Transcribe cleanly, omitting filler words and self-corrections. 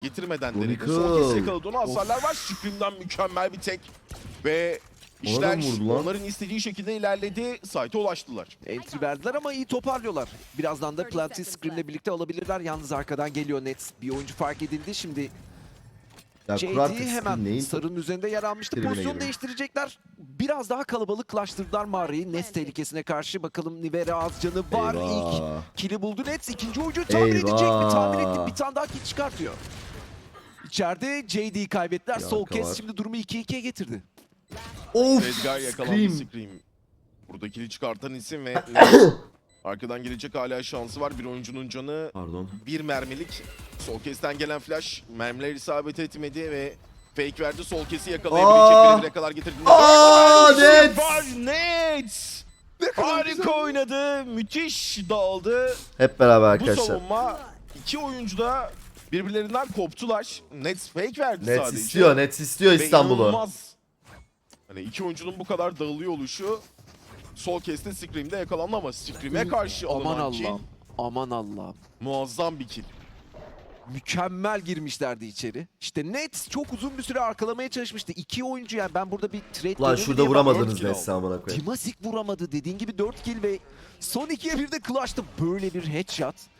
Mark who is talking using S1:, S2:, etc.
S1: getirmeden
S2: Chronicle.
S1: denedi. Son kez yakaladı onu, hasarlar var. Scream'den mükemmel bir tek. Ve işler
S2: Ona da vurdu lan.
S1: onların istediği şekilde ilerledi. Site'e ulaştılar.
S3: Entry verdiler ama iyi toparlıyorlar. Birazdan da Planty Scream'le birlikte alabilirler. Yalnız arkadan geliyor Nets. Bir oyuncu fark edildi. Şimdi
S2: Ya
S3: JD
S2: Kurartık
S3: hemen
S2: neyin
S3: sarının üzerinde yer almıştı.
S2: tribüne
S3: Pozisyon
S2: giriyor.
S3: değiştirecekler. Biraz daha kalabalıklaştırdılar mağarayı. Nets tehlikesine karşı. Bakalım Nivera az canı var.
S2: Eyvah.
S3: İlk kill'i buldu Nets. İkinci oyuncuyu tahmin edecek mi? Tahmin etti. Bir tane daha kill çıkartıyor. İçeride JD'yi kaybettiler.
S2: Bir
S3: Sol
S2: arka
S3: kez
S2: var.
S3: şimdi durumu 2-2'ye getirdi.
S2: Of!
S1: Edgar yakalandı.
S2: Scream.
S1: Scream. Buradakini çıkartan isim ve arkadan gelecek hala şansı var. Bir oyuncunun canı
S2: Pardon.
S1: bir mermilik. Sol kesten gelen flash mermiler isabet etmedi ve fake verdi. Sol kesi yakalayabilecek bire kadar getirdi.
S2: Nets!
S1: Var Nets! Harika oynadı. Müthiş dağıldı.
S2: Hep beraber
S1: Bu
S2: arkadaşlar.
S1: savunma iki oyuncu da birbirlerinden koptular. Nets fake verdi
S2: Nets
S1: sadece.
S2: istiyor, Nets istiyor
S1: Ve
S2: İstanbul'u.
S1: inanılmaz. Hani iki oyuncunun bu kadar dağılıyor oluşu sol keste Scream'de yakalandı ama Scream'e karşı
S3: Aman
S1: alınan kill
S3: Allah'ım. Aman Allah'ım.
S1: muazzam bir kill.
S3: Mükemmel girmişlerdi içeri. İşte Nets çok uzun bir süre arkalamaya çalışmıştı. İki oyuncu, yani ben burada bir trade
S2: Lan
S3: dönemi
S2: şurada
S3: diye
S2: vuramadınız
S1: dört kill
S2: Nets'i amına koyayım.
S3: Timasik vuramadı. Dediğin gibi 4 kill ve son 2'ye bir de clutch'tı. Böyle bir headshot.